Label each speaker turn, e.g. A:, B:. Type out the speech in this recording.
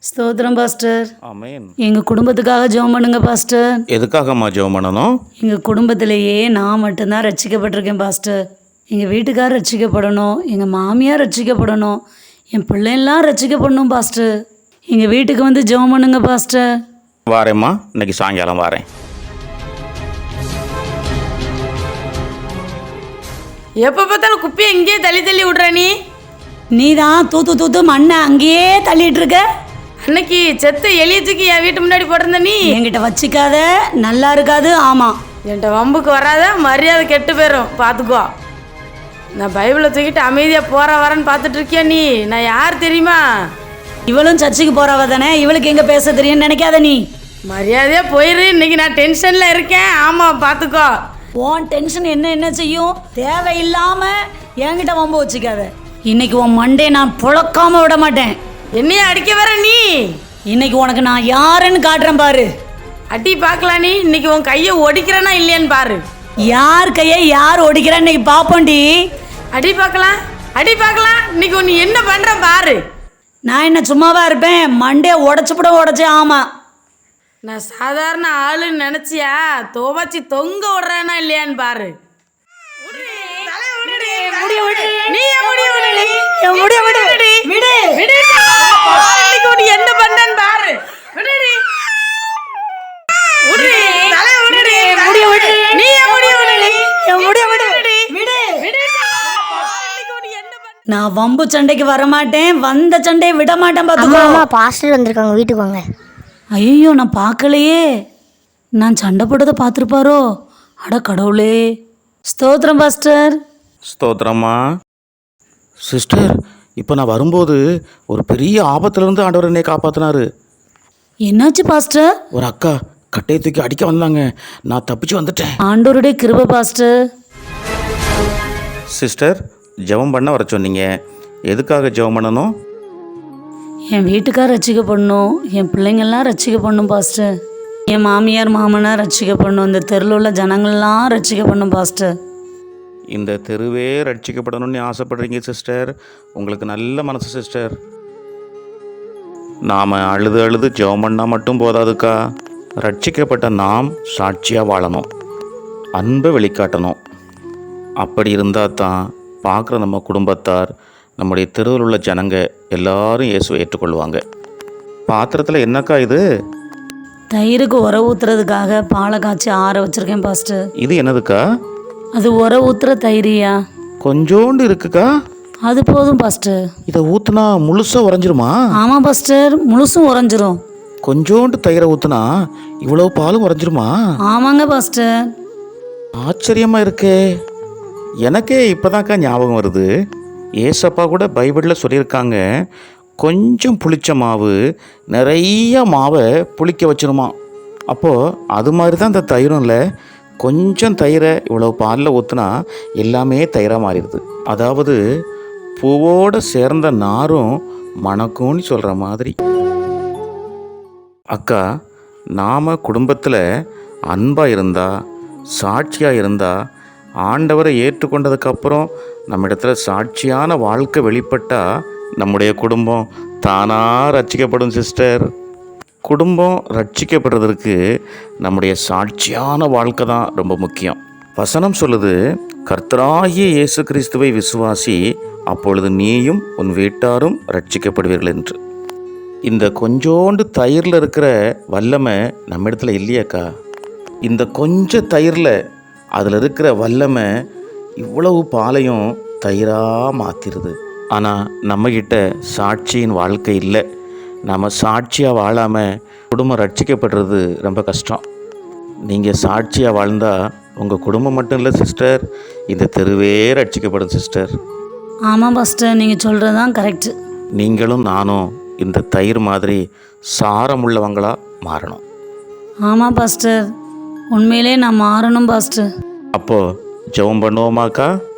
A: ஸ்தோத்திரம் பாஸ்டர்.
B: ஆமென்.
A: எங்கள் குடும்பத்துக்காக ஜெபம் பண்ணுங்க பாஸ்டர்.
B: எதுக்காகம்மா ஜெபம் பண்ணணும்?
A: எங்கள் குடும்பத்திலேயே நான் மட்டும்தான் ரட்சிக்கப்பட்டிருக்கேன் பாஸ்டர். எங்கள் வீட்டுக்கார் ரட்சிக்கப்படணும், எங்கள் மாமியார் ரட்சிக்கப்படணும், என் பிள்ளைலாம் ரட்சிக்கப்படணும் பாஸ்டர். எங்கள் வீட்டுக்கு வந்து ஜெபம் பண்ணுங்க பாஸ்டர்.
B: வாரேம்மா, இன்னைக்கு சாயங்காலம் வாரேன்.
C: எப்போ பார்த்தாலும் குப்பையை இங்கேயே தள்ளி தள்ளி விட்ற
A: நீ தான் தூத்து தூத்து மண்ணை அங்கேயே தள்ளிட்டு இருக்க.
C: அன்னைக்கு செத்த எலியத்துக்கு என் வீட்டு முன்னாடி போட்டிருந்த நீ
A: என்கிட்ட வச்சிக்காத, நல்லா இருக்காது. ஆமாம்,
C: என்கிட்ட வம்புக்கு வராத, மரியாதை கெட்டு போயிடும், பார்த்துக்கோ. நான் பைபிளை தூக்கிட்டு அமைதியாக போகிற வரேன்னு பார்த்துட்டு இருக்கியா நீ? நான் யார் தெரியுமா?
A: இவளும் சர்ச்சுக்கு போறவ தானே, இவளுக்கு எங்கே பேச தெரியும்னு நினைக்காத நீ.
C: மரியாதையாக போயிரு, இன்னைக்கு நான் டென்ஷனில் இருக்கேன். ஆமாம், பார்த்துக்கோ.
A: உன் டென்ஷன் என்ன செய்யும்? தேவையில்லாமல் என்கிட்ட வம்பு வச்சுக்காத. இன்னைக்கு உன் மண்டே நான் புழக்காம விட மாட்டேன்.
C: என்னைய அடிக்க வர நீ?
A: இன்னைக்கு உனக்கு நான் யாருன்னு காட்டுறேன் பாரு.
C: அடி பார்க்கலாம் நீ. இன்னைக்கு உன் கையை ஒடிக்கிறேன்னா இல்லையான்னு பாரு.
A: யார் கையை யார் ஒடிக்கிறா இன்னைக்கு பாப்போண்டி.
C: அடி பார்க்கலாம், அடி பார்க்கலாம். இன்னைக்கு நீ என்ன பண்ணுற பாரு.
A: நான் என்ன சும்மாவா இருப்பேன்? மண்டே உடச்சுப்பட உடச்சே. ஆமாம்,
C: நான் சாதாரண ஆளுன்னு நினச்சியா? துவச்சி தொங்க விடுறேன்னா இல்லையான்னு பாரு. என்ன பண்றேன்னு பாரு.
A: நான் வம்பு சண்டைக்கு வரமாட்டேன், வந்த சண்டையை விட மாட்டேன்.
D: பார்த்துக்கோ. பாஸ்டர் வந்திருக்காங்க, வீட்டுக்கு வாங்க.
A: ஐயோ, நான் பார்க்கலையே. நான் சண்டை போட்டதை பார்த்துருப்பாரோ? அட கடவுளே. ஸ்தோத்திரம் பாஸ்டர்.
B: ஸ்தோத்திரம்மா. சிஸ்டர், இப்போ நான் வரும்போது ஒரு பெரிய ஆபத்துலேருந்து ஆண்டவர் என்னை காப்பாற்றினாரு.
A: என்னாச்சு பாஸ்டர்?
B: ஒரு அக்கா கட்டையை தூக்கி அடிக்க வந்தாங்க, நான் தப்பிச்சு வந்துட்டேன்.
A: ஆண்டவருடைய கிருபை பாஸ்டர்.
B: சிஸ்டர், ஜெபம் பண்ண வர சொன்னீங்க, எதுக்காக ஜெபம் பண்ணணும்?
A: என் வீட்டுக்கார் ரட்சிக்கப்படணும், என் பிள்ளைங்கள்லாம் ரட்சிக்கப்படணும் பாஸ்டர். என் மாமியார் மாமனார் ரட்சிக்கப்படணும், இந்த தெருவில் உள்ள ஜனங்கள்லாம் ரட்சிக்கப்படணும் பாஸ்டர்.
B: இந்த தெருவே ரட்சிக்கப்படணும்னு ஆசைப்படுறீங்க சிஸ்டர். உங்களுக்கு நல்ல மனசு சிஸ்டர். நாம் அழுது அழுது ஜெபம் பண்ணால் மட்டும் போதாதுக்கா. ரட்சிக்கப்பட்ட நாம் சாட்சியாக வாழணும், அன்பை வெளிக்காட்டணும். அப்படி இருந்தால் தான் பார்க்குற நம்ம குடும்பத்தார், நம்முடைய தெருவில் உள்ள ஜனங்க எல்லாரும் இயேசுவை ஏற்றுக்கொள்வாங்க. பாத்திரத்தில் என்னக்கா இது?
A: தயிருக்கு உர ஊற்றுறதுக்காக பாலை காய்ச்சி ஆற வச்சுருக்கேன் பாஸ்டர்.
B: இது என்னதுக்கா?
A: அது உர ஊற்றுற தயிரியா?
B: கொஞ்சோண்டு இருக்குக்கா.
A: அது போதும் பாஸ்டர்.
B: இதை ஊற்றுனா முழுசாக உறைஞ்சிருமா?
A: ஆமாம் பாஸ்டர், முழுசும் உறைஞ்சிரும்.
B: கொஞ்சோண்டு தயிரை ஊற்றுனா இவ்வளோ பாலும் உறைஞ்சிருமா?
A: ஆமாங்க பாஸ்டர்.
B: ஆச்சரியமாக இருக்கே. எனக்கே இப்போதான்க்கா ஞாபகம் வருது. ஏசப்பா கூட பைபிளில் சொல்லியிருக்காங்க, கொஞ்சம் புளிச்ச மாவு நிறைய மாவை புளிக்க வச்சிருமா. அப்போது அது மாதிரி தான் இந்த தயிரும் இல்லை. கொஞ்சம் தயிரை இவ்வளோ பாலில் ஊற்றுனா எல்லாமே தயிராக மாறிடுது. அதாவது பூவோடு சேர்ந்த நாரும் மணக்கும்னு சொல்கிற மாதிரி. அக்கா, நாம் குடும்பத்தில் அன்பாக இருந்தால், சாட்சியாக இருந்தால், ஆண்டவரை ஏற்றுக்கொண்டதுக்கப்புறம் நம்ம இடத்துல சாட்சியான வாழ்க்கை வெளிப்பட்டால் நம்முடைய குடும்பம் தானாக ரட்சிக்கப்படும் சிஸ்டர். குடும்பம் ரட்சிக்கப்படுறதுக்கு நம்முடைய சாட்சியான வாழ்க்கை தான் ரொம்ப முக்கியம். வசனம் சொல்லுது, கர்த்தராகிய இயேசு கிறிஸ்துவை விசுவாசி, அப்பொழுது நீயும் உன் வீட்டாரும் ரட்சிக்கப்படுவீர்கள் என்று. இந்த கொஞ்சோண்டு தயிரில் இருக்கிற வல்லமை நம்ம இடத்துல இல்லையாக்கா? இந்த கொஞ்சம் தயிரில் அதில் இருக்கிற வல்லமை இவ்வளவு பாலையும் தயிராக மாற்றிடுது. ஆனால் நம்மக்கிட்ட சாட்சியின் வாழ்க்கை இல்லை. நம்ம சாட்சியாக வாழாமல் குடும்பம் ரட்சிக்கப்படுறது ரொம்ப கஷ்டம். நீங்கள் சாட்சியாக வாழ்ந்தால் உங்கள் குடும்பம் மட்டும் இல்லை சிஸ்டர், இந்த தெருவே ரட்சிக்கப்படும் சிஸ்டர்.
A: ஆமாம் பாஸ்டர், நீங்கள் சொல்கிறது தான் கரெக்டு.
B: நீங்களும் நானும் இந்த தயிர் மாதிரி சாரமுள்ளவங்களாக மாறணும்.
A: ஆமாம் பாஸ்டர், உண்மையிலே நான் மாறணும் பாஸ்டர்.
B: அப்போது ஜெபம் பண்ணுவோமாக்கா?